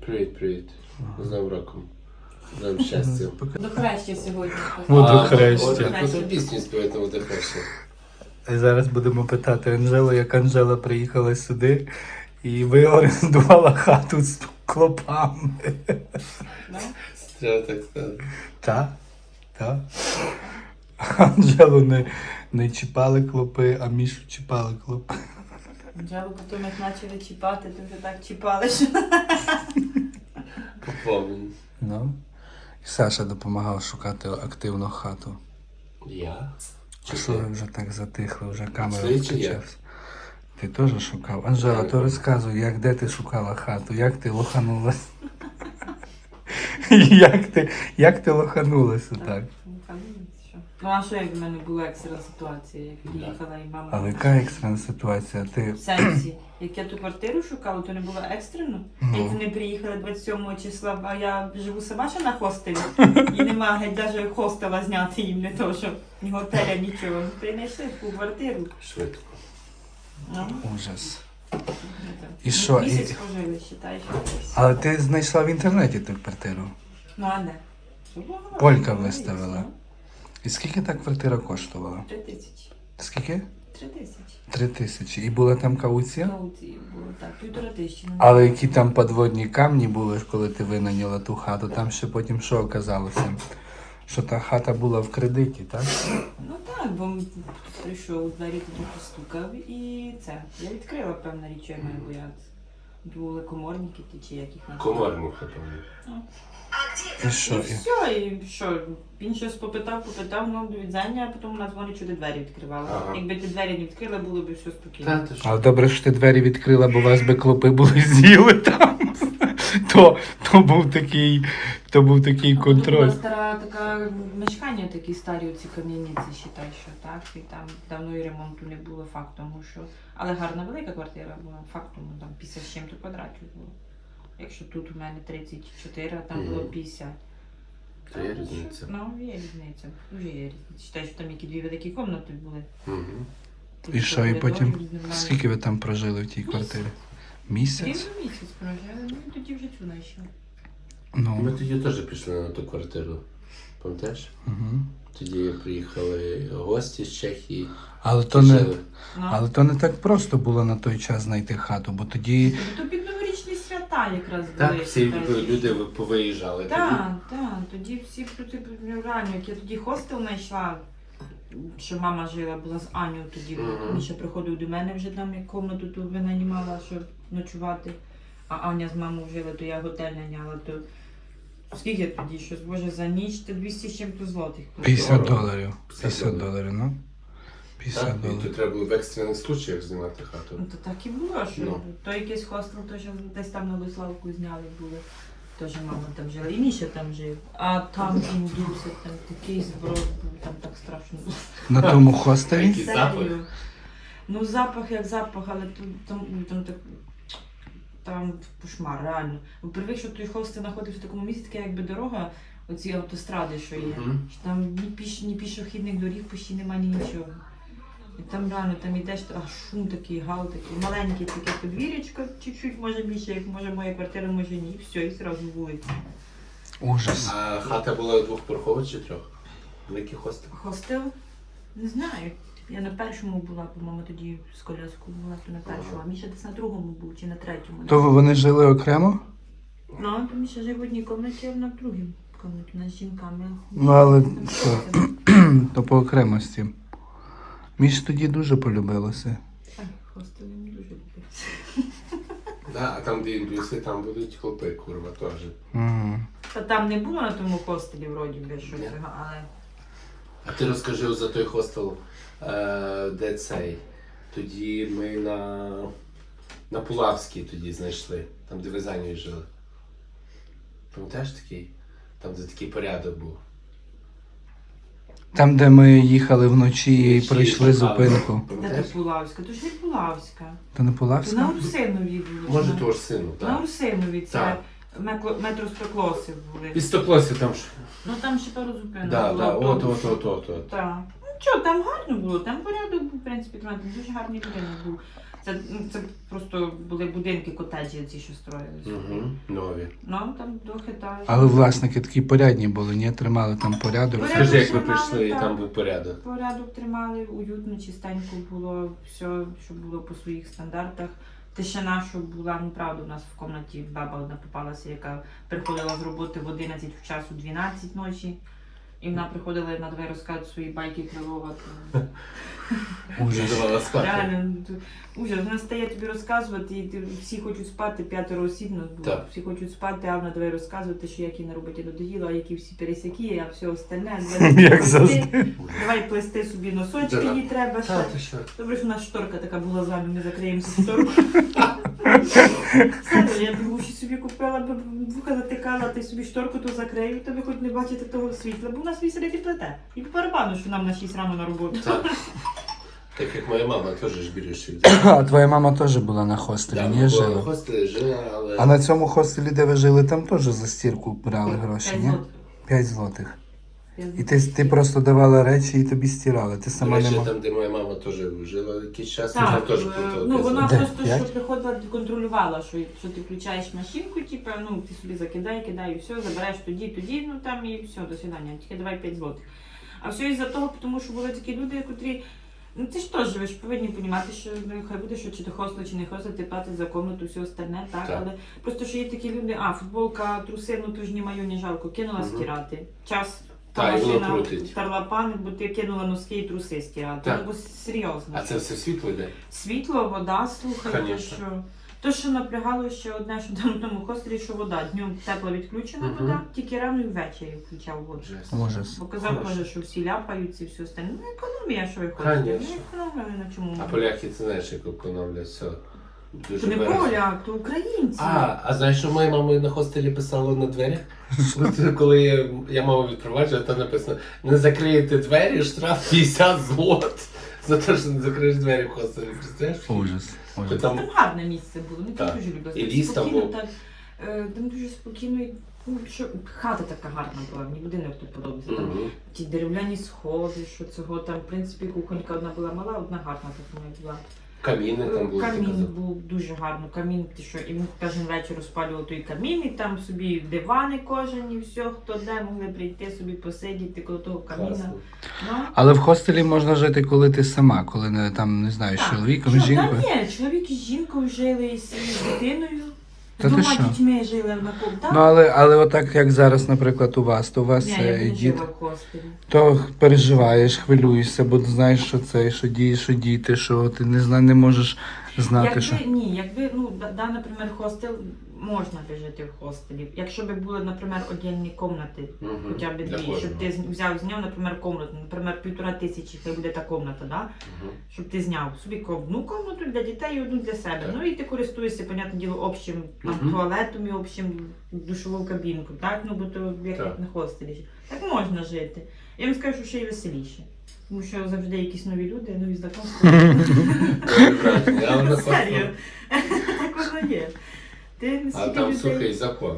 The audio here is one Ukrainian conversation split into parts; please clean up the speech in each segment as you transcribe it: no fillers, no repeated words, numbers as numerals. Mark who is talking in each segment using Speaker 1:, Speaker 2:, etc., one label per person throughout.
Speaker 1: Привіт. З Новим роком. З новим щастям.
Speaker 2: До хреща сьогодні.
Speaker 3: До хреща.
Speaker 1: Яку пісню співаєте до хреща?
Speaker 3: І зараз будемо питати Анжелу, як Анжела приїхала сюди і ви орендувала хату з клопами.
Speaker 1: Треба так сказати.
Speaker 3: Так. Анжелу не чіпали клопи, а Мішу чіпали клопи.
Speaker 2: Анжелу потім як почали чіпати, то вже так чіпали, що...
Speaker 1: Поповнені.
Speaker 3: Ну. І Саша допомагав шукати активну хату.
Speaker 1: Я?
Speaker 3: Чи що ви вже так затихли, вже камера
Speaker 1: Це чи я?
Speaker 3: включилась? Ти теж шукав? Анжела, то розказуй, де ти шукала хату, як ти лоханулась? Як ти лоханулася так?
Speaker 2: Ну а що як в мене була екстрена ситуація, як приїхала і мама...
Speaker 3: Але яка екстрена ситуація? Ти...
Speaker 2: В сенсі, як я ту квартиру шукала, то не було екстрено. Як вони приїхали 27 числа, а я живу сама ще на хостелі. І нема геть навіть хостела зняти їм, не то, що ні готеля, нічого. Принайшли таку квартиру.
Speaker 1: Швидко.
Speaker 2: Ну,
Speaker 3: Ужас.
Speaker 2: ну,
Speaker 3: І що?
Speaker 2: Місяць пожили, вважаєш.
Speaker 3: Але ти знайшла в інтернеті ту квартиру?
Speaker 2: Ну а де? Що було?
Speaker 3: Полька виставила. І скільки та квартира коштувала?
Speaker 2: 3 тисячі.
Speaker 3: Скільки?
Speaker 2: 3 тисячі.
Speaker 3: 3000. І була там кауція?
Speaker 2: Кауції було, так, 1500.
Speaker 3: Але які там підводні камні були, коли ти винайняла ту хату, там ще потім що оказалося? Що та хата була в кредиті, так?
Speaker 2: Ну так, бо прийшов у двері, тоді постукав і це. Я відкрила, певна річ, я маю боятися. Були коморники ті, чи яких нам.
Speaker 1: Комарник, напевно.
Speaker 3: І що?
Speaker 2: І все, і що? Він щось попитав, ну, до відзання, а потім вона дзвонить, що ти двері відкривала.
Speaker 1: Ага.
Speaker 2: Якби ти двері не відкрила, було б все спокійно.
Speaker 1: Та, ти що?
Speaker 3: Але добре, що ти двері відкрила, бо вас би клопи були з'їли там. То був такий
Speaker 2: Тут
Speaker 3: контроль.
Speaker 2: була стара така мешкання, такі старі оці кам'яниці, считай, що так. І там давно і ремонту не було фактом, що. Але гарна велика квартира була, фактом, там 50 з чим-то квадратів було. Якщо тут у мене 34, а там було 50.
Speaker 1: Це є різниця.
Speaker 2: Ну, є різниця. Дуже є різниця. Считай, що там які 2 великі кімнати були.
Speaker 1: Угу.
Speaker 2: Тут
Speaker 3: І що, і
Speaker 2: коридор,
Speaker 3: потім
Speaker 2: нормально.
Speaker 3: скільки ви там прожили в тій квартирі? Місяць?
Speaker 2: Рівно місяць прожили, ну і тоді вже цю знайшли.
Speaker 1: Ми
Speaker 3: Ну.
Speaker 1: тоді теж пішли на ту квартиру. Пам'ятаєш?
Speaker 3: Угу.
Speaker 1: Тоді приїхали гості з Чехії.
Speaker 3: Але то не.
Speaker 1: Жили.
Speaker 2: Ну.
Speaker 3: Але то не так просто було на той час знайти хату, бо тоді
Speaker 2: То під новорічні свята якраз були.
Speaker 1: Так, всі
Speaker 2: считай,
Speaker 1: люди повиїжджали.
Speaker 2: Так, тоді всі реально, як я тоді хостел знайшла, що мама жила, була з Аню тоді,
Speaker 1: Мгм.
Speaker 2: Міша приходив до мене вже там, як комнату ту винаймала, щоб ночувати, а Аня з мамою жила, то я готель наняла, то скільки тоді, щось, боже, за ніч, то 200 з чим-то злотих.
Speaker 3: $50. 50
Speaker 1: $50,
Speaker 3: доларів, ну. 50
Speaker 1: Так, і
Speaker 3: доларів.
Speaker 1: тут треба було в екстрених случаях знімати хату.
Speaker 2: Ну, то так і було, що
Speaker 1: Ну.
Speaker 2: то якийсь хостел, то що десь там на Виславку зняли були. Теж мама там жила, і Міша там жив. А там індуси, там такий зброд був, там так страшно було.
Speaker 3: На тому хостелі?
Speaker 1: Який запах?
Speaker 2: Серію. Ну запах як запах, але там кошмар, реально. Бо привик, що той хостел знаходився в такому місці, таке якби дорога, оці автостради, що є.
Speaker 1: Мгм.
Speaker 2: Що там ні пішохідних доріг почти немає, ні нічого. І там реально там йдеш, а шум такий, гал такий, маленький таке подвір'ячко, чуть-чуть, може більше, як може моя квартира, може ні, і все, і одразу вулиця.
Speaker 3: Ужас.
Speaker 1: А хата була двохпорохова чи трьох? Великий хостел.
Speaker 2: Хостел? Не знаю. Я на першому була, по-моєму, тоді з коляскою була, то на першому, а Міша десь на другому був, чи на третьому.
Speaker 3: То вони жили окремо?
Speaker 2: Ну, то Міша жив в одній кімнаті, а вона в другій кімнаті, вона з жінками.
Speaker 3: Ну, але
Speaker 2: Там
Speaker 3: що?
Speaker 2: хостел.
Speaker 3: То по окремості. Між тоді дуже полюбилося.
Speaker 2: Так, хостел не дуже любить.
Speaker 1: Да, а там, де індуси, там будуть хлопи, курва, теж.
Speaker 3: Угу.
Speaker 2: Та там не було на тому хостелі, вроді би, щось,
Speaker 1: Ні.
Speaker 2: але...
Speaker 1: А ти розкажи за той хостел, де цей. Тоді ми на Пулавській тоді знайшли, там де ви за нею жили. Пам'ятаєш такий? Там де такий порядок був.
Speaker 3: Там, де ми їхали вночі і
Speaker 1: Вночі
Speaker 3: пройшли
Speaker 1: шукали.
Speaker 3: зупинку.
Speaker 2: Та
Speaker 1: Пам'ятаєш?
Speaker 2: то Пулавська, то ж не Пулавська.
Speaker 3: То не
Speaker 2: То на
Speaker 3: Полавська?
Speaker 2: Урсинові було.
Speaker 1: Може
Speaker 2: на-
Speaker 1: того ж сину,
Speaker 2: На
Speaker 1: так?
Speaker 2: Урсинові, це
Speaker 1: Так.
Speaker 2: метро Спеклоси були.
Speaker 1: Під Стоклосі там ж.
Speaker 2: Ну там ще пару зупинок
Speaker 1: Да,
Speaker 2: було.
Speaker 1: да, от.
Speaker 2: Так. Ну що, там гарно було, там порядок був, в принципі, там дуже гарний будинок був. Це просто були будинки, котеджі ці, що строїлися.
Speaker 1: Угу. Нові.
Speaker 2: Ну, там трохи так.
Speaker 3: Але власники такі порядні були, ні? Тримали там порядок.
Speaker 2: Порядок.
Speaker 1: Скажи, як ви
Speaker 2: тримали,
Speaker 1: прийшли і
Speaker 2: так.
Speaker 1: там був порядок.
Speaker 2: Порядок тримали, уютно, чистенько було, все, щоб було по своїх стандартах. Тишина, щоб була, ну правда, у нас в кімнаті баба одна попалася, яка приходила з роботи в 11 в час у 12 ночі. І вона приходила і на двері розказувати свої байки Крилова.
Speaker 3: Ужас.
Speaker 1: Давала спати.
Speaker 2: Реально, ужас. Вона стає тобі розказувати, і всі хочуть спати, 5 осіб нас було.
Speaker 1: Так.
Speaker 2: Всі хочуть спати, а вона давай розказувати, що як їй на роботі надоїло, а які всі пересяки, а все остальне.
Speaker 3: Як завжди.
Speaker 2: Давай плести собі носочки,
Speaker 1: Да.
Speaker 2: їй треба ще.
Speaker 1: Та, ти що?
Speaker 2: Добре, що у нас шторка така була з вами, ми закриємося шторку. Саме, я б ще собі купила, б вуха затикала, ти собі шторку то закрию, тобі хоч не бачити того світла, бо у нас вісерить і плете. І по барабану, що нам на 6 рано на роботу.
Speaker 1: Так. Так як моя мама теж ж бірюші.
Speaker 3: А твоя мама теж була на хостелі, ні?
Speaker 1: В
Speaker 3: Жила?
Speaker 1: хостелі жила, але...
Speaker 3: А на цьому хостелі, де ви жили, там теж за стірку брали гроші,
Speaker 2: 5
Speaker 3: ні?
Speaker 2: злотих.
Speaker 3: 5 злотих. І
Speaker 2: 5
Speaker 3: ти просто давала речі і тобі стирали. Ти
Speaker 1: До
Speaker 3: сама не
Speaker 1: речі,
Speaker 3: могла.
Speaker 1: там, де моя мама теж жила якийсь час, там
Speaker 2: Так,
Speaker 1: теж платила.
Speaker 2: ну вона
Speaker 3: Де?
Speaker 2: просто
Speaker 3: П'ять?
Speaker 2: що приходила, контролювала, що ти включаєш машинку, типу, ну ти собі кидай, і все, забираєш тоді, ну там і все, до свидання, тільки давай 5 злотих. А все із-за того, тому що були такі люди, котрі, ну ти ж теж, ви ж повинні розуміти, що ну, хай буде, що чи ти хостел, чи не хостел, ти платиш за комнату, все остальне, так,
Speaker 1: Так.
Speaker 2: але просто що є такі люди, футболка, труси, ну то ж ні маю, ні жалко, кинула
Speaker 1: Мгм.
Speaker 2: стирати. Час.
Speaker 1: Та, і воно
Speaker 2: машина
Speaker 1: крутить.
Speaker 2: тарлапани, бо ти кинула носки і труси стирати.
Speaker 1: Так.
Speaker 2: Ну, бо серйозно.
Speaker 1: А це все світло йде?
Speaker 2: Світло, вода, слухай, то
Speaker 1: Конечно.
Speaker 2: що. То, що напрягало ще одне, що там в тому хостелі, що вода. Днем тепла відключена
Speaker 1: Мгм.
Speaker 2: вода, тільки рано і ввечері включав воду.
Speaker 1: Жесть.
Speaker 3: Ужас.
Speaker 2: Бо казав,
Speaker 1: Хорошо.
Speaker 2: каже, що всі ляпаються і все остальне. Ну, економія, що ви хочете.
Speaker 1: Конечно.
Speaker 2: Ну, економія, на чому.
Speaker 1: А поляки, ти знаєш, як економлять все. Дуже
Speaker 2: То не
Speaker 1: бережно.
Speaker 2: поляк, то українці.
Speaker 1: А знаєш, що моя мама на хостелі писала на дверях? От коли я маму відпроваджував, там написано: не закриєте двері, штраф 50 злот. За те, що не закриєш двері в хостелі. Представляєш?
Speaker 3: Ужас.
Speaker 1: То
Speaker 3: Ужас.
Speaker 1: там
Speaker 2: Там гарне місце було, ми
Speaker 1: Так.
Speaker 2: там дуже любили.
Speaker 1: І ліс там
Speaker 2: Спокійно,
Speaker 1: був.
Speaker 2: так, там дуже спокійно, і, ну, що, хата така гарна була, мені будинок тут подобається. Там
Speaker 1: Мгм.
Speaker 2: ті дерев'яні сходи, що цього там, в принципі, кухонька одна була мала, одна гарна така була.
Speaker 1: Каміни там були. ти
Speaker 2: Камін
Speaker 1: казав.
Speaker 2: був дуже гарно. Камін, ти що, і він кожен вечір розпалював той камін, і там собі дивани кожен, і все, хто де, могли прийти собі посидіти коло того каміна.
Speaker 1: Класно.
Speaker 2: Ну,
Speaker 3: Але в хостелі можна жити, коли ти сама, коли не там, не знаю, з
Speaker 2: так.
Speaker 3: чоловіком,
Speaker 2: Що,
Speaker 3: з жінкою.
Speaker 2: Та ні, чоловік із жінкою жили, і з дитиною, з
Speaker 3: Та ти
Speaker 2: двома
Speaker 3: що?
Speaker 2: дітьми жили на ком.
Speaker 3: Ну, але отак, як зараз, наприклад, у вас, то у вас
Speaker 2: Ні, я не
Speaker 3: діти,
Speaker 2: жила в хостелі.
Speaker 3: то переживаєш, хвилюєшся, бо знаєш, що це, що діти, що ти не можеш знати, що.
Speaker 2: Якби, ну, наприклад, хостел, можна би жити в хостелі. Якщо б були, наприклад, отдільні кімнати,
Speaker 1: Мгм.
Speaker 2: хоча б
Speaker 1: Для
Speaker 2: дві, щоб
Speaker 1: кожного.
Speaker 2: ти взяв, зняв, наприклад, комнату, наприклад, 1500, хай буде та комната, да?
Speaker 1: Мгм.
Speaker 2: Щоб ти зняв собі одну комнату для дітей і одну для себе.
Speaker 1: Так.
Speaker 2: Ну і ти користуєшся, понятне діло, общим там,
Speaker 1: Мгм.
Speaker 2: туалетом і общим душовою кабінкою, так? Ну, бо то як
Speaker 1: Так.
Speaker 2: на хостелі. Так можна жити. Я вам скажу, що ще й веселіше. Тому що завжди якісь нові люди, нові знайомства.
Speaker 1: Ой, брат, я на
Speaker 2: Серйозно.
Speaker 1: хостел.
Speaker 2: Так воно є. Ти
Speaker 1: А
Speaker 2: наскільки
Speaker 1: там
Speaker 2: людей...
Speaker 1: сухий закон.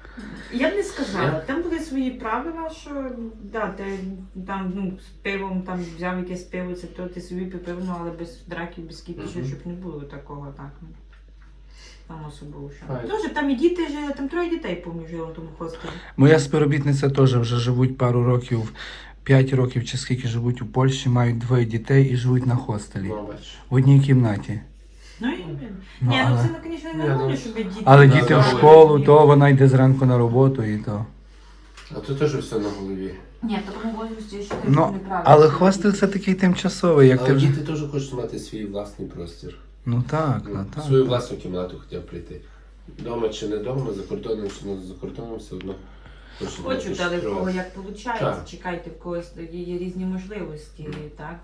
Speaker 2: Я б не сказала. Там були свої правила, що да, ти там ну, з пивом там взяв якесь пиво, це то ти собі пив, ну, але без драків, без кіпішів,
Speaker 1: Мгм.
Speaker 2: щоб не було такого так. Ну. Там особливо що.
Speaker 1: Файно.
Speaker 2: Дуже там і діти жили, там 3 дітей, помню, жило в тому хостелі.
Speaker 3: Моя співробітниця теж вже живуть пару років, 5 років чи скільки живуть у Польщі, мають 2 дітей і живуть на хостелі.
Speaker 1: Ну, бачиш.
Speaker 3: В одній кімнаті.
Speaker 2: Ну і
Speaker 3: Ну,
Speaker 2: ні, ну
Speaker 3: але-
Speaker 2: це, звісно,
Speaker 1: Ні,
Speaker 2: нормально,
Speaker 1: ну,
Speaker 2: щоб діти.
Speaker 3: Але
Speaker 1: Да,
Speaker 3: діти
Speaker 1: да,
Speaker 3: в
Speaker 1: да.
Speaker 3: школу, то вона йде зранку на роботу і то.
Speaker 1: А тут теж все на голові.
Speaker 2: Ні, в такому возрасті я вважаю,
Speaker 3: Ну,
Speaker 2: що неправильно.
Speaker 3: але хостел це такий тимчасовий, як ти
Speaker 1: Але
Speaker 3: вже.
Speaker 1: діти теж хочуть мати свій власний простір.
Speaker 3: Ну так,
Speaker 1: Ну,
Speaker 3: так.
Speaker 1: свою власну кімнату хотів прийти. Дома чи не дома, за кордоном чи не за кордоном, все одно. хочуть мати
Speaker 2: Хочуть, але в
Speaker 1: щось
Speaker 2: кого
Speaker 1: своє.
Speaker 2: як виходить,
Speaker 1: Так.
Speaker 2: чекайте, в когось є різні можливості, так?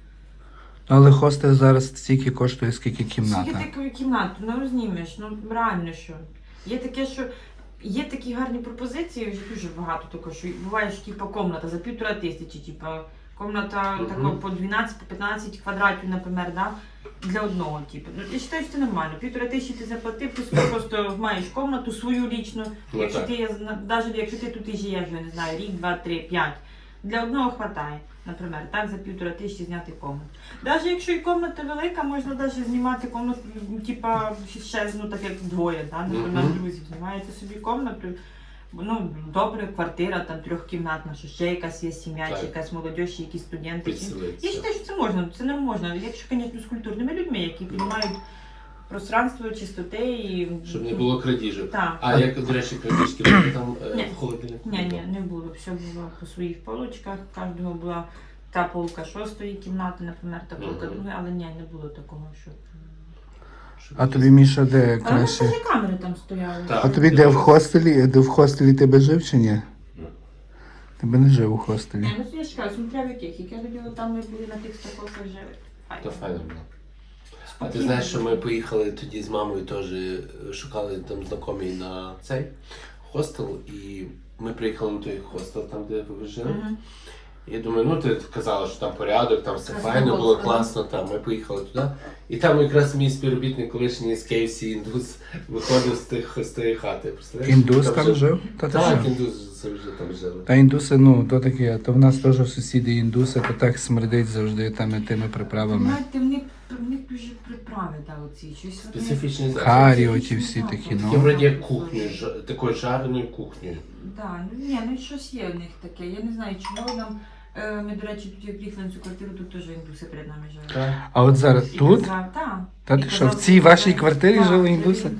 Speaker 3: Але хостел зараз стільки коштує, скільки кімната.
Speaker 2: Скільки таку кімнату, ну рознімеш, ну реально що. Є таке, що є такі гарні пропозиції, вже дуже багато такого, що буває, що типу, комната за 1500, типу, комната
Speaker 1: Мгм.
Speaker 2: такого по 12-15 квадратів, наприклад, да? Для одного, типу. Ну, я вважаю, що це нормально. 1500 ти заплатив, ти собі просто маєш комнату свою лічну.
Speaker 1: Ну,
Speaker 2: Якщо
Speaker 1: так.
Speaker 2: ти, навіть якщо ти тут і живеш, я не знаю, рік, 2, 3, 5, Для одного вистачає, наприклад, так за 1500 зняти комнату. Навіть якщо і комната велика, можна навіть знімати комнату, типа ще, ну так як двоє, да? Наприклад,
Speaker 1: Мгм.
Speaker 2: друзів. Знімаєте собі комнату, ну, добре, квартира, там трьохкімнатна, що ще якась є сім'я,
Speaker 1: Так.
Speaker 2: чи якась молодь, чи якісь студенти. Я
Speaker 1: Підселитися.
Speaker 2: вважаю, що це можна, це не можна. Якщо, звісно, з культурними людьми, які розуміють пространство, чистоти і...
Speaker 1: Щоб не було крадіжок.
Speaker 2: Так.
Speaker 1: А як, до речі, крадіжки були там
Speaker 2: Ні.
Speaker 1: в холодильнику?
Speaker 2: Ні, не було. Все було по своїх полочках. Кожного була та полка 6-ї кімнати, наприклад, та полка
Speaker 1: Мгм.
Speaker 2: 2-ї, але ні, не було такого, що...
Speaker 1: Щоб
Speaker 3: А тобі, Міша, де
Speaker 2: Але в нас
Speaker 3: краще?
Speaker 2: теж камери там стояли.
Speaker 1: Так.
Speaker 3: А тобі де в хостелі? Де в хостелі тебе жив чи ні?
Speaker 1: Ні.
Speaker 3: Тебе не жив у хостелі.
Speaker 2: Ні, ну я ж кажу, смотря в яких. Як я тоді там ми були на тих стаколках жили.
Speaker 1: То файно було. А ти знаєш, що ми поїхали тоді з мамою теж, шукали там знайомі на цей хостел, і ми приїхали на той хостел, там де ви жили.
Speaker 2: Мгм.
Speaker 1: І я думаю, ну ти казала, що там порядок, там все
Speaker 2: Красиво
Speaker 1: файно,
Speaker 2: було,
Speaker 1: було
Speaker 2: ага.
Speaker 1: класно, там ми поїхали туди. І там якраз мій співробітник колишній з KFC індус виходив з тієї хати. Представляєш?
Speaker 3: Індус там жив? Та ти
Speaker 1: Так,
Speaker 3: що?
Speaker 1: індус завжди там жили.
Speaker 3: Та індуси, ну, то таке, то в нас теж сусіди індуси, то так смердить завжди тими приправами.
Speaker 2: Знаєте, в них дуже приправи, да, оці. Щось вони-
Speaker 1: Специфічний заклад.
Speaker 3: Харі оті всі такі,
Speaker 1: Я
Speaker 3: ну.
Speaker 1: вроді як кухню, такою жареною кухнею.
Speaker 2: Да, ну щось є в них таке. Я не знаю, чому нам. Ми, до речі, тут як приїхали на цю квартиру, тут теж індуси перед нами жили.
Speaker 1: Так.
Speaker 3: А от зараз
Speaker 2: І
Speaker 3: тут?
Speaker 2: казав, та.
Speaker 3: Та
Speaker 2: І
Speaker 3: ти що,
Speaker 2: казав,
Speaker 3: в цій вашій
Speaker 2: це-
Speaker 3: квартирі
Speaker 2: та,
Speaker 3: жили індуси?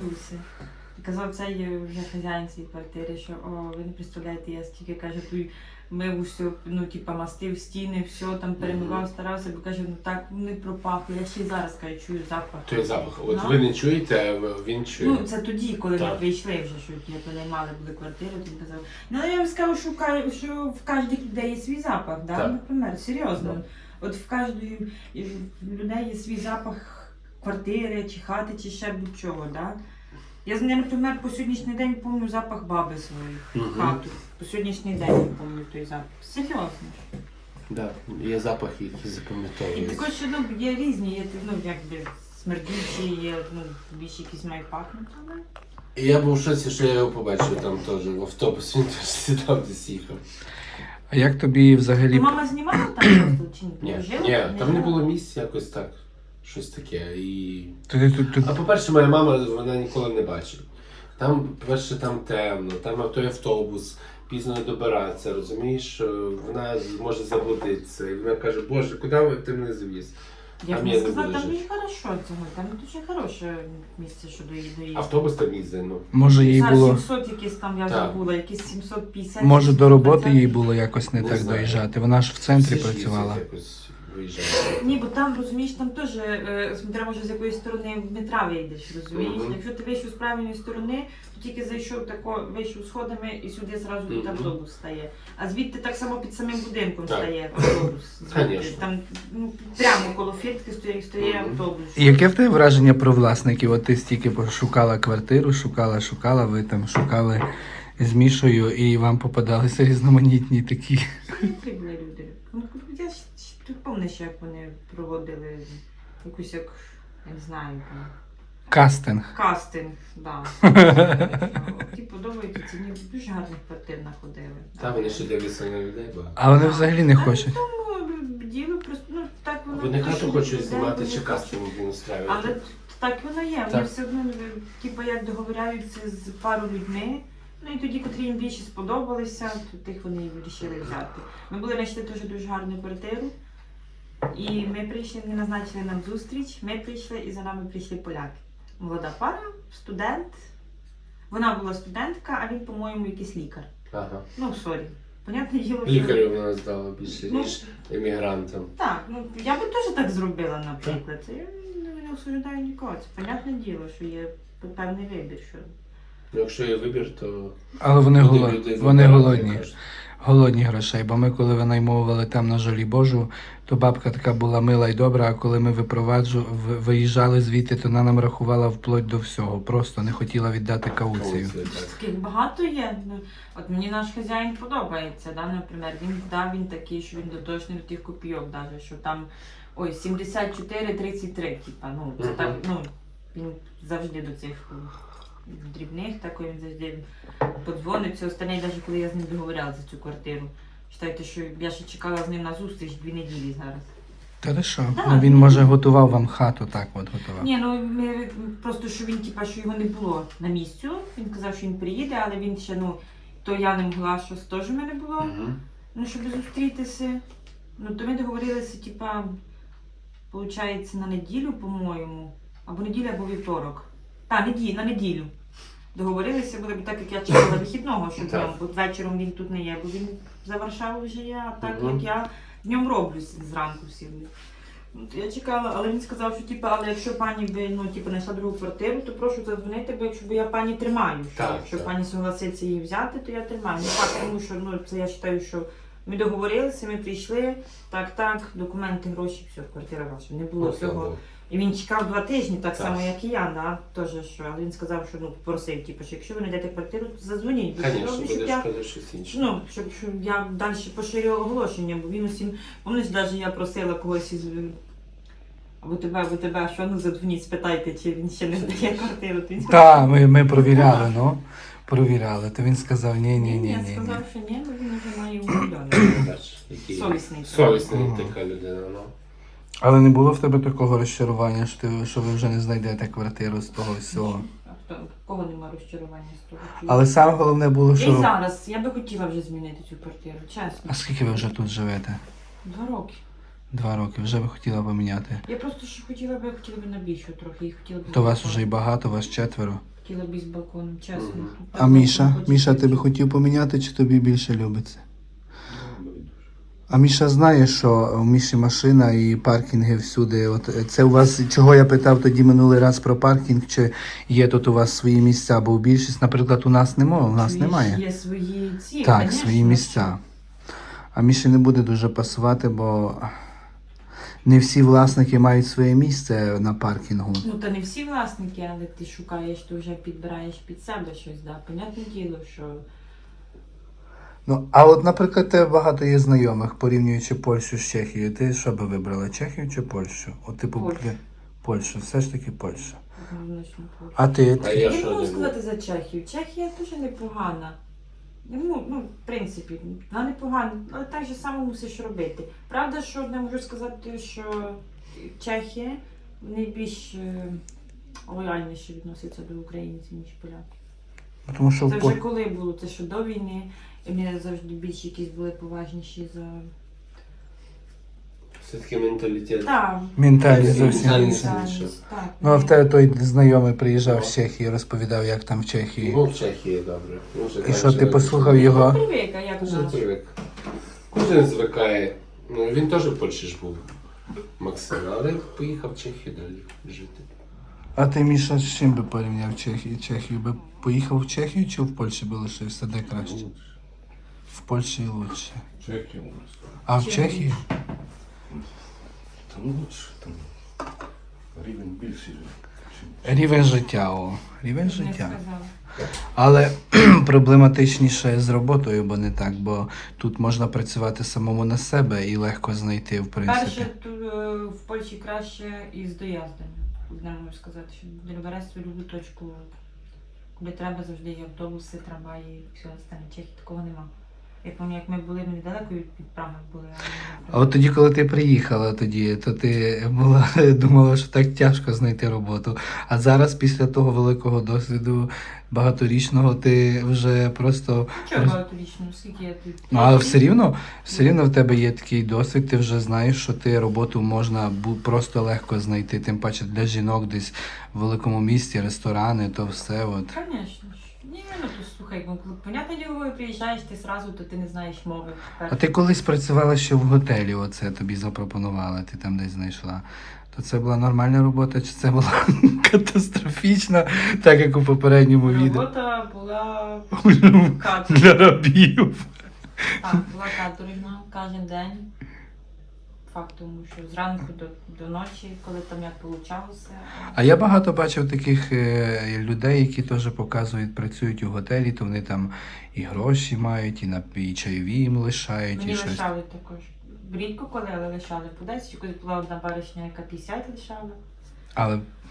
Speaker 2: І казав, це є вже хазяїн цієї квартири, що ви не представляєте, я стільки каже, тут мив усе, ну типа мастив стіни, все там перемивав, старався, бо каже, ну так вони пропахли. Я ще й зараз кажу, чую запах.
Speaker 1: Той запах. От
Speaker 2: Ну.
Speaker 1: ви не чуєте, а він чує.
Speaker 2: Ну, це тоді, коли ми
Speaker 1: Так.
Speaker 2: прийшли вже, що ми понаймали були квартиру, він казав. Ну, я вам скажу, що в кожних людей є свій запах, да?
Speaker 1: Так.
Speaker 2: Наприклад, серйозно.
Speaker 1: Так.
Speaker 2: От в кожної людей є свій запах квартири, чи хати, чи ще будь-чого, да? Я, наприклад, по сьогоднішній день пам'ятаю запах баби своєї
Speaker 1: Мгм.
Speaker 2: хату. По сьогоднішній день я пам'ятаю той запах. Серйозно.
Speaker 1: Да. Є запахи, які
Speaker 2: І
Speaker 1: запам'ятовуються.
Speaker 2: також, що ну, є різні, є ну, якби смердючі, є ну, більш якісь мають пахнути, але...
Speaker 1: І я був в шоці, що я його побачив там теж в автобус, він теж сідав десь їхав.
Speaker 3: А як тобі взагалі?
Speaker 2: Ну, мама знімала там просто чи
Speaker 1: Ні,
Speaker 2: не? Жила?
Speaker 1: ні, там не
Speaker 2: жила?
Speaker 1: було місць якось так, щось таке. І...
Speaker 3: Тут
Speaker 1: А по-перше, моя мама вона ніколи не бачила. Там, по-перше, там темно, там той автобус, пізно добиратися, розумієш, вона може заблудитися. І вона каже, Боже, куди ти мене завіз?
Speaker 2: Я
Speaker 1: А
Speaker 2: б
Speaker 1: мені
Speaker 2: не
Speaker 1: не
Speaker 2: сказала,
Speaker 1: буде
Speaker 2: там
Speaker 1: жити.
Speaker 2: дуже хорошо цього, там дуже хороше місце, що доїхати.
Speaker 1: Автобус там їздить, ну.
Speaker 3: може їй
Speaker 2: Зараз
Speaker 3: було.
Speaker 2: 700 якісь там, я
Speaker 1: Так.
Speaker 2: забула, якісь 750.
Speaker 3: Може до роботи
Speaker 2: 750.
Speaker 3: їй було якось не
Speaker 1: Не
Speaker 3: так
Speaker 1: знаю.
Speaker 3: доїжджати. Вона ж в центрі
Speaker 1: Всі ж
Speaker 3: працювала.
Speaker 1: їздять якось виїжджають.
Speaker 2: Ні, бо там, розумієш, там теж, смотря може з якої сторони метра вийдеш, розумієш?
Speaker 1: Мгм.
Speaker 2: Якщо ти вийшов з правильної сторони, то тільки зайшов тако, вийшов сходами і сюди зразу тут
Speaker 1: Мгм.
Speaker 2: автобус стає. А звідти так само під самим будинком
Speaker 1: Так.
Speaker 2: стає автобус. Звідти.
Speaker 1: Конечно.
Speaker 2: Там ну, прямо коло фіртки стає
Speaker 1: Мгм.
Speaker 2: автобус.
Speaker 3: І яке в тебе враження про власників? От ти стільки шукала квартиру, шукала, ви там шукали з Мішою і вам попадалися різноманітні такі.
Speaker 2: Які були люди? Ну, я ж тут пам'ятаю, як вони проводили якусь як, я не знаю, там,
Speaker 3: Кастинг.
Speaker 2: кастинг, да. Ті подобаються, ці ні, дуже гарних квартир находили.
Speaker 1: Там вони ще дивляться на людей багато.
Speaker 3: А вони взагалі не хочуть.
Speaker 2: Ну, діло просто, ну, так воно.
Speaker 1: Вони
Speaker 2: те,
Speaker 1: хату
Speaker 2: що
Speaker 1: хочуть
Speaker 2: людей
Speaker 1: знімати
Speaker 2: вони
Speaker 1: чи
Speaker 2: хочуть.
Speaker 1: кастинг не устраюють.
Speaker 2: Але так воно є, вони
Speaker 1: Так.
Speaker 2: все одно, типу, як договоряються з пару людьми, ну і тоді, котрі їм більше сподобалися, то тих вони і вирішили взяти. Ми були знайшли теж дуже гарну квартиру, і ми прийшли, вони назначили нам зустріч, ми прийшли і за нами прийшли поляки. Молода пара, студент. Вона була студентка, а він, по-моєму, якийсь лікар.
Speaker 1: Ага.
Speaker 2: Ну, сорі. Понятне діло, що...
Speaker 1: Лікарів вона здала більше,
Speaker 2: Ну,
Speaker 1: ніж емігрантам.
Speaker 2: Так, ну я би теж так зробила, наприклад. Це я не осуждаю нікого. Це понятне діло, що є певний вибір. Що...
Speaker 1: Ну, якщо є вибір, то
Speaker 3: Але вони,
Speaker 1: люди
Speaker 3: вони
Speaker 1: вибирають,
Speaker 3: голодні.
Speaker 1: як кажуть.
Speaker 3: Голодні грошей. Бо ми, коли винаймовували там на Жолі Божу, то бабка така була мила і добра, а коли ми виїжджали звідти, то вона нам рахувала вплоть до всього. Просто не хотіла віддати кауцію.
Speaker 1: Кауцію, так.
Speaker 2: Таких багато є. Ну, от мені наш хазяїн подобається, да, наприклад. Він такий, що він доточний до тих копійок, навіть, що там ой, 74-33, типа, ну, це
Speaker 1: Мгм.
Speaker 2: так, ну, він завжди до цих дрібних, так він завжди подзвонить. Все останнє, навіть коли я з ним договоряла за цю квартиру. Считайте, що я ще чекала з ним на зустріч 2 неділі зараз.
Speaker 3: Та ти що?
Speaker 2: Да,
Speaker 3: Ну, він, може, готував вам хату, так от готував.
Speaker 2: Ні, ну ми просто що він, типа, що його не було на місцю. Він казав, що він приїде, але він ще, ну, то я не могла, що теж в мене було.
Speaker 1: Мгм.
Speaker 2: Ну, щоб зустрітися. Ну, то ми договорилися, типа, виходить, на неділю, по-моєму. Або неділя, або вівторок. На неділю. Договорилися були, бо так як я чекала вихідного, що
Speaker 1: Так.
Speaker 2: днем, бо вечором він тут не є, бо він за Варшавою вже є, а так
Speaker 1: Мгм.
Speaker 2: як я днем роблю зранку всі. Ну, то я чекала, але він сказав, що типу, але якщо пані би, ну, типу, знайшла другу квартиру, то прошу задзвонити, бо якщо я пані тримаю. Що,
Speaker 1: Так,
Speaker 2: якщо
Speaker 1: так.
Speaker 2: пані согласиться її взяти, то я тримаю. Не так, тому що ну, це я вважаю, що ми договорилися, ми прийшли, так, документи, гроші, все, квартира ваша. Не було
Speaker 1: Ну, слава
Speaker 2: цього.
Speaker 1: Богу.
Speaker 2: І він чекав 2 тижні, так
Speaker 1: Так.
Speaker 2: само, як і я, да, теж, що. Але він сказав, що ну, попросив, типу, що якщо ви знайдете квартиру, то задзвоніть. Бо
Speaker 1: Звісно,
Speaker 2: щоб
Speaker 1: буде
Speaker 2: я
Speaker 1: шкода щось інше.
Speaker 2: Ну, щоб я далі поширювала оголошення, бо він усім, пам'ятаєш, навіть я просила когось із або тебе, що ну задзвоніть, спитайте, чи він ще не здає квартиру. То він
Speaker 3: Так, ми провіряли, ну. Провіряли. То він сказав, ні.
Speaker 2: Я сказав, що ні, бо він вже має умовляти.
Speaker 1: Бач, який
Speaker 2: Совісний.
Speaker 1: совісний
Speaker 3: Ага.
Speaker 1: така людина, ну.
Speaker 3: Але не було в тебе такого розчарування, що ви вже не знайдете квартиру з того всього.
Speaker 2: А кого нема розчарування з того?
Speaker 3: Але саме головне було,
Speaker 2: Я й
Speaker 3: що...
Speaker 2: зараз, я би хотіла вже змінити цю квартиру, чесно.
Speaker 3: А скільки ви вже тут живете?
Speaker 2: 2 роки.
Speaker 3: 2 роки. Вже би хотіла поміняти.
Speaker 2: Я просто ще хотіла би на більшу трохи. І хотіла б
Speaker 3: То вас вже і багато, вас 4.
Speaker 2: Хотіла б із балконом, чесно.
Speaker 1: Мгм.
Speaker 3: А Міша? Міша, ти би хотів поміняти, чи тобі більше любиться? А Міша знає, що у Міші машина і паркінги всюди. От це у вас, чого я питав тоді минулий раз про паркінг, чи є тут у вас свої місця, бо більшість, наприклад, у нас немає.
Speaker 2: Є свої ці,
Speaker 3: Так,
Speaker 2: конечно,
Speaker 3: свої місця. А Міші не буде дуже пасувати, бо не всі власники мають своє місце на паркінгу.
Speaker 2: Ну, та не всі власники, але ти шукаєш, ти вже підбираєш під себе щось, да. Понятне діло, що
Speaker 3: Ну, а от, наприклад, тебе багато є знайомих, порівнюючи Польщу з Чехією. Ти що би вибрала, Чехію чи Польщу? От, типу,
Speaker 2: Польщу.
Speaker 3: Польщу, все ж таки Польща.
Speaker 2: однозначно Польща.
Speaker 3: А ти?
Speaker 1: А
Speaker 2: Я
Speaker 1: я
Speaker 2: не
Speaker 1: що
Speaker 2: можу
Speaker 1: не
Speaker 2: сказати за Чехію. Чехія дуже непогана. Ну, в принципі, вона непогана, але так же само мусиш робити. Правда, що не можу сказати, що Чехія найбільш лояльніше відноситься до українців, ніж поляки.
Speaker 3: Тому що
Speaker 2: Це вже коли було, це що до війни, і вони завжди більш якісь були поважніші за...
Speaker 1: Все-таки менталітет.
Speaker 2: Так,
Speaker 3: ментальність зовсім
Speaker 1: Ментальність.
Speaker 3: інша.
Speaker 1: інша.
Speaker 2: так.
Speaker 3: Ну, а в тебе той знайомий приїжджав з Чехії, розповідав, як там в Чехії.
Speaker 1: Ну, в Чехії добре. Ну, вже
Speaker 3: І
Speaker 1: там
Speaker 3: що, ти
Speaker 1: живе.
Speaker 3: послухав його?
Speaker 2: Привик, а як у
Speaker 1: Вже
Speaker 2: нас?
Speaker 1: привик. Кожен звикає. Ну, він теж в Польщі ж був. Максим, але поїхав в Чехію далі жити.
Speaker 3: А ти, Міша, з чим би порівняв Чехію? Би поїхав в Чехію чи в Польщі би лишився? Де краще? В Польщі лучше.
Speaker 4: Чехия у нас.
Speaker 3: А в
Speaker 2: Чим
Speaker 3: Чехії?
Speaker 4: Там лучше, там рівень більший.
Speaker 3: Рівень життя, рівень
Speaker 2: Не
Speaker 3: життя.
Speaker 2: сказала.
Speaker 3: Але проблематичніше з роботою, бо не так, бо тут можна працювати самому на себе і легко знайти, в принципі.
Speaker 2: Перше, в Польщі краще із доїздами. Не можу сказати, що не береш свою любу точку, куди треба завжди є автобуси, трамваї і все остальне. В Чехії такого нема. Я пам'ятаю, як ми були, ми недалеко від Праги були.
Speaker 3: А от тоді, коли ти приїхала тоді, то ти думала, що так тяжко знайти роботу. А зараз, після того великого досвіду багаторічного, ти вже просто...
Speaker 2: Чого багаторічно? Скільки я тут?
Speaker 3: Ну, але все рівно в тебе є такий досвід, ти вже знаєш, що ти роботу можна просто легко знайти, тим паче для жінок десь в великому місті, ресторани, то все от.
Speaker 2: Звісно ж. Ні, ну то слухай, понятне діло, коли приїжджаєш, ти сразу, то ти не знаєш мови.
Speaker 3: А ти колись працювала ще в готелі, оце тобі запропонували, ти там десь знайшла. То це була нормальна робота, чи це була катастрофічна, так як у попередньому відео?
Speaker 2: Робота була
Speaker 3: Для
Speaker 2: каторжна.
Speaker 3: рабів.
Speaker 2: Так, була каторжна кожен день. Факт тому, що зранку до ночі, коли там як получалося.
Speaker 3: А я багато бачив таких людей, які теж показують, працюють у готелі, то вони там і гроші мають, і чайові їм лишають,
Speaker 2: Мені
Speaker 3: і щось.
Speaker 2: лишали також. Рідко коли, але лишали по 10, коли була одна баришня, яка 50 лишала.
Speaker 3: Але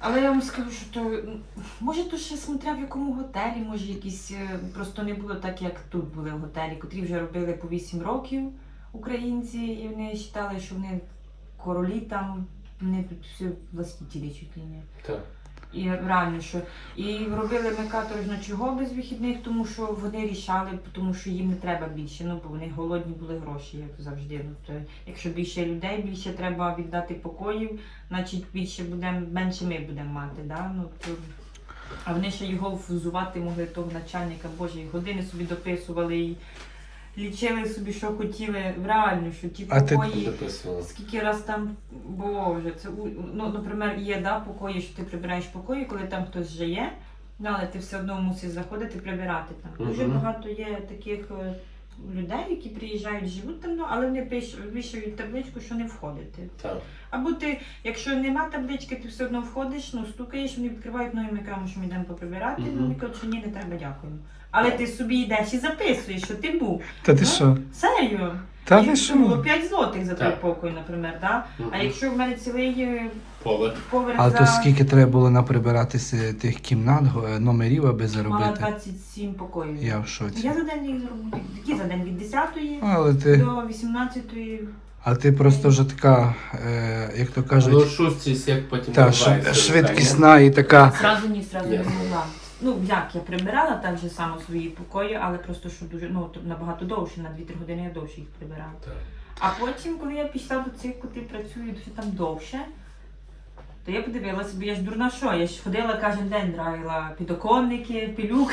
Speaker 2: Але я вам скажу, що то, може, то ще смотря в якому готелі, може якісь, просто не було так, як тут були в готелі, котрі вже робили по 8 років українці, і вони вважали, що вони королі там, вони тут всі властителі чуть ли не.
Speaker 1: Так.
Speaker 2: І реально, що і робили ми каторжно чого без вихідних, тому що вони рішали, тому що їм не треба більше, ну бо вони голодні були гроші, як завжди. Ну, то, якщо більше людей, більше треба віддати покоїв, значить більше будемо, менше ми будемо мати. Да? Ну, то... А вони ще його взувати могли того начальника, боже, і години собі дописували і лічили собі, що хотіли. Реально, що ті
Speaker 3: А ти-
Speaker 2: покої.
Speaker 1: Записувала.
Speaker 2: Скільки раз там, боже, це, ну, наприклад, є, да, покої, що ти прибираєш покої, коли там хтось вже є, ну, але ти все одно мусиш заходити, прибирати там. Дуже
Speaker 1: Мгм.
Speaker 2: багато є таких людей, які приїжджають, живуть там, ну, але вони вішають табличку, що не входити.
Speaker 1: Так.
Speaker 2: Або ти, якщо нема таблички, ти все одно входиш, ну, стукаєш, вони відкривають новим екраном, що ми йдемо поприбирати,
Speaker 1: Мгм.
Speaker 2: ну, вони кажуть, що ні, не треба, дякуємо. Але ти собі йдеш і записуєш, що ти був.
Speaker 3: Та ти
Speaker 2: Ну,
Speaker 3: що?
Speaker 2: Серйозно.
Speaker 3: Та
Speaker 2: І
Speaker 3: ти
Speaker 2: це було
Speaker 3: що?
Speaker 2: 5 злотих за той
Speaker 1: Так.
Speaker 2: покой, наприклад, да? А
Speaker 1: Мгм.
Speaker 2: якщо в мене цілий
Speaker 1: Поверх.
Speaker 2: поверх
Speaker 3: А
Speaker 2: за
Speaker 3: то скільки треба було наприбиратися тих кімнат, номерів, аби
Speaker 2: мала
Speaker 3: заробити?
Speaker 2: 27 покоїв.
Speaker 3: Я в шоці.
Speaker 2: Я за день їх зроблю. Які за день? Від 10-ї
Speaker 3: Але ти,
Speaker 2: до 18-ї.
Speaker 3: а ти просто вже така, як то
Speaker 1: Ну,
Speaker 3: кажуть,
Speaker 1: шустрість, як потім
Speaker 3: та
Speaker 1: відбувається
Speaker 3: швидкісна і така.
Speaker 2: Зразу не
Speaker 1: Ясно.
Speaker 2: могла. Ну, як, я прибирала так же само свої покої, але просто, що дуже, ну, то набагато довше, на 2-3 години я довше їх прибирала.
Speaker 1: Так.
Speaker 2: А потім, коли я пішла до цих, котрі працюють вже там довше, то я подивилася, бо я ж дурна що, я ж ходила кожен день, драїла підоконники, пилюк.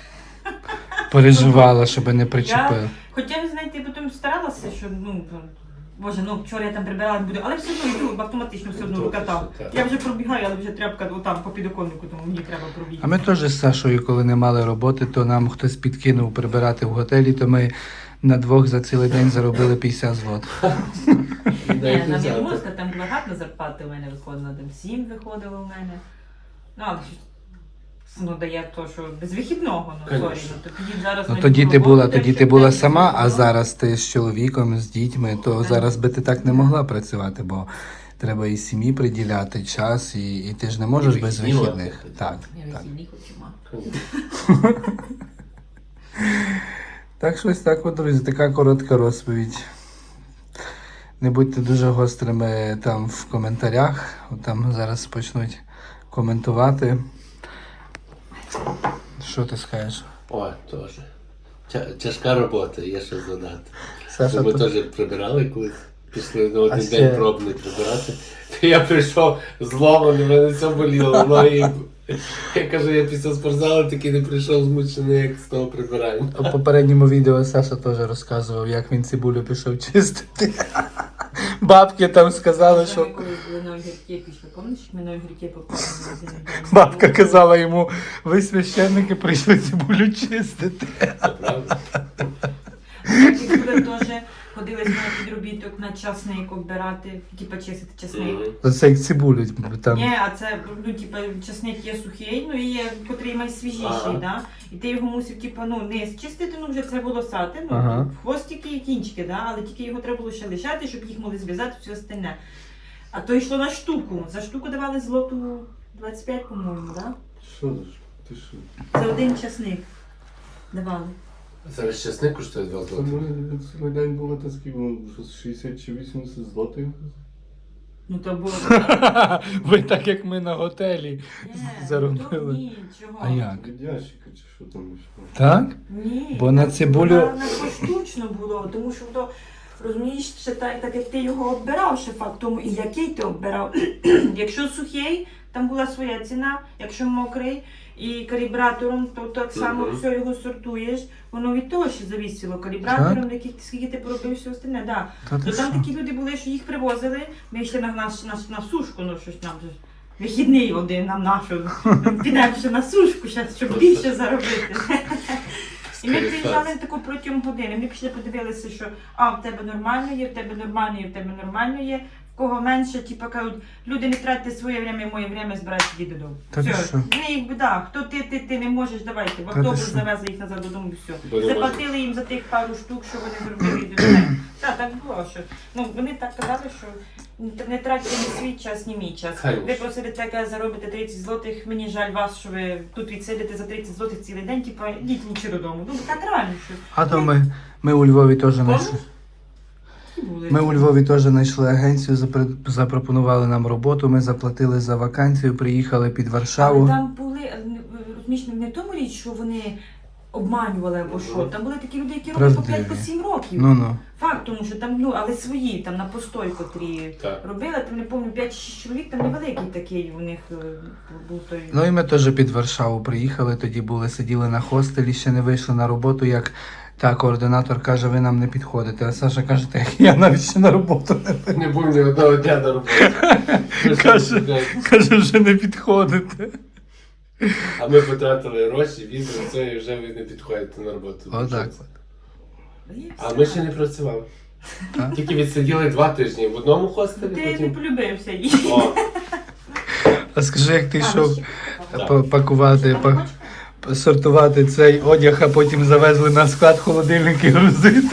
Speaker 3: Переживала, щоб не причепили.
Speaker 2: Хоча, ви знаєте, потім старалася, що, ну, боже, ну, вчора я там прибирала, буду, але все одно йду, автоматично все одно викатав.
Speaker 1: Так.
Speaker 2: Я вже пробігаю, але вже тряпка отам по підоконнику, тому мені треба пробігти.
Speaker 3: А ми теж з Сашою, коли не мали роботи, то нам хтось підкинув прибирати в готелі, то ми на двох за цілий день заробили 50 злот.
Speaker 2: Ні, на Біломорська там була гарна зарплата у мене виходила, там 7 виходило у мене. Ну, але ж, ну, дає то, що без вихідного, ну, сорі,
Speaker 1: Конечно.
Speaker 2: ну, то тоді зараз...
Speaker 3: Ну
Speaker 2: на
Speaker 3: тоді ти
Speaker 2: роботу
Speaker 3: була,
Speaker 2: йдеш,
Speaker 3: тоді ти
Speaker 2: щоб
Speaker 3: була
Speaker 2: день
Speaker 3: сама, а
Speaker 2: вихідного.
Speaker 3: зараз ти з чоловіком, з дітьми, то
Speaker 2: Так.
Speaker 3: зараз би ти так не могла працювати, бо треба і сім'ї приділяти час, і ти ж не можеш
Speaker 1: І
Speaker 3: без
Speaker 1: вихідні
Speaker 3: вихідних.
Speaker 1: мати.
Speaker 3: Так,
Speaker 2: Я
Speaker 3: так.
Speaker 2: вихідні хочу мати.
Speaker 3: Так, щось так, от, друзі, така коротка розповідь. Не будьте дуже гострими там в коментарях, от там зараз почнуть коментувати. Що ти скажеш?
Speaker 1: О, теж. Тяжка робота, є що задати.
Speaker 3: Саша,
Speaker 1: Ми
Speaker 3: то-
Speaker 1: теж прибирали колись, пішли на один
Speaker 3: ще-
Speaker 1: день пробний прибирати. То я прийшов зломаний, мене все боліло. Ноги. Я кажу, я після спортзалу таки не прийшов змучений, як з того прибирання.
Speaker 3: У попередньому відео Саша теж розказував, як він цибулю пішов чистити. Бабки там сказали,
Speaker 2: Ми
Speaker 3: що
Speaker 2: колись були на огірки пішли, пам'ятаєш, ми на огірки попали в магазин.
Speaker 3: бабка казала йому, ви священники прийшли цибулю чистити.
Speaker 1: Це правда?
Speaker 2: Такі були теж, ходили з мене підробіток на часник оббирати, типа чистити часник.
Speaker 1: Мгм.
Speaker 3: Оце як цибулю там.
Speaker 2: Ні, а це, ну, типа, часник є сухий, ну і є, котрий найсвіжіший,
Speaker 1: Ага.
Speaker 2: да? І ти його мусив, типа, ну, не чистити, ну, вже це волосати, ну,
Speaker 3: Ага.
Speaker 2: хвостики і кінчики, да? Але тільки його треба було ще лишати, щоб їх могли зв'язати, все остальне. А то йшло на штуку. За штуку давали злоту 25, по-моєму, да?
Speaker 4: Що за ж? Ти що?
Speaker 2: За один часник давали.
Speaker 1: Зараз чесник коштує 2
Speaker 4: Це
Speaker 1: злоти.
Speaker 4: ми цілий день було та скільки, ну, щось 60 чи 80 злотих.
Speaker 2: Ну, то було...
Speaker 3: Ви так як ми на готелі.
Speaker 2: Ні,
Speaker 3: Заробили.
Speaker 2: то ні, чого.
Speaker 3: А як?
Speaker 4: Від ящика чи що там ще?
Speaker 3: Так?
Speaker 2: Ні.
Speaker 3: Бо на цибулю-
Speaker 2: На поштучно було, тому що то, розумієш, ще так як ти його оббирав, ще факт тому, і який ти оббирав. Якщо сухий, там була своя ціна, якщо мокрий і калібратором, то так само
Speaker 1: Мгм.
Speaker 2: все його сортуєш. Воно від того ще завісило. Калібратором, скільки ти поробив, все остальне, да.
Speaker 3: Та ти
Speaker 2: То там
Speaker 3: що?
Speaker 2: такі люди були, що їх привозили, ми йшли на сушку, ну щось нам же ж вихідний один нам нашу. Підемо ще на сушку, щас, щоб більше заробити. І ми приїжджали таку протягом години. Ми пішли, подивилися, що в тебе нормально є, в тебе нормально є, в тебе нормально є. В кого менше, типу кажуть, люди не тратьте своє время, моє время, збирайте їди додому.
Speaker 3: Та ти
Speaker 2: Все,
Speaker 3: що?
Speaker 2: не їх біда, хто ти не можеш, давайте, в
Speaker 3: Та ти
Speaker 2: автобус
Speaker 3: що?
Speaker 2: завезли їх назад додому, і
Speaker 1: Бо
Speaker 2: все.
Speaker 1: не
Speaker 2: Заплатили їм за тих пару штук, що вони зробили, і до мене. Так було, що, ну, вони так казали, що не тратьте ні свій час, ні мій час.
Speaker 1: Конечно.
Speaker 2: Ви просите таке заробите 30 злотих, мені жаль вас, що ви тут відсидите за 30 злотих цілий день, типу, йдіть лучше додому. Ну, так реально, що.
Speaker 3: А то ми у Львові теж знайшли.
Speaker 2: Були.
Speaker 3: Ми у Львові теж знайшли агенцію, запропонували нам роботу, ми заплатили за вакансію, приїхали під
Speaker 2: Але
Speaker 3: Варшаву.
Speaker 2: там були, розумієш, не в тому річ, що вони обманювали або що. Там були такі люди, які робили по
Speaker 3: Правдиві.
Speaker 2: 5-7 років.
Speaker 3: Ну-ну.
Speaker 2: Факт, тому що там, ну, але свої, там на постой, котрі
Speaker 1: Так.
Speaker 2: робили, там не пам'ятаю, 5-6 чоловік, там невеликий такий у них був той.
Speaker 3: Ну і ми теж під Варшаву приїхали, тоді були, сиділи на хостелі, ще не вийшли на роботу, як та координатор каже, ви нам не підходите. А Саша каже, так я навіть ще на роботу не
Speaker 1: Не був ні одного дня на роботі.
Speaker 3: Каже, вже не підходите.
Speaker 1: А ми потратили гроші, візу, це і вже ви не підходите на роботу.
Speaker 3: Отак.
Speaker 1: А ми ще не працювали.
Speaker 3: Так.
Speaker 1: Тільки відсиділи 2 тижні в одному хостелі,
Speaker 2: Ти не
Speaker 1: потім.
Speaker 2: полюбився їй.
Speaker 1: О,
Speaker 3: А скажи, як ти йшов
Speaker 1: Так.
Speaker 3: пакувати, сортувати цей одяг, а потім завезли на склад холодильник і грузити.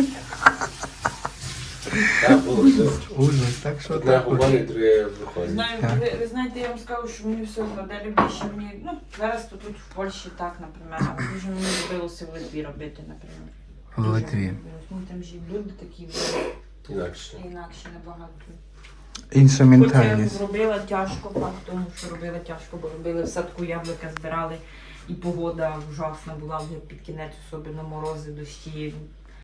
Speaker 1: так було все.
Speaker 3: Ужас, так що
Speaker 1: Одне
Speaker 3: так.
Speaker 1: говорить, друге виходить.
Speaker 2: Знаю,
Speaker 3: Так.
Speaker 2: ви знаєте, я вам скажу, що мені все одно, де більше мені, ну, зараз то тут в Польщі так, наприклад, а дуже мені любилося в Литві робити, наприклад.
Speaker 3: В Литві.
Speaker 2: Ну, там ж і люди такі
Speaker 1: Інакше.
Speaker 2: інакше набагато.
Speaker 3: Інша
Speaker 2: Хоч я
Speaker 3: ментальність.
Speaker 2: робила тяжко, факт тому, що робила тяжко, бо робили в садку яблука, збирали, і погода ужасна була вже під кінець, особливо морози, дощі.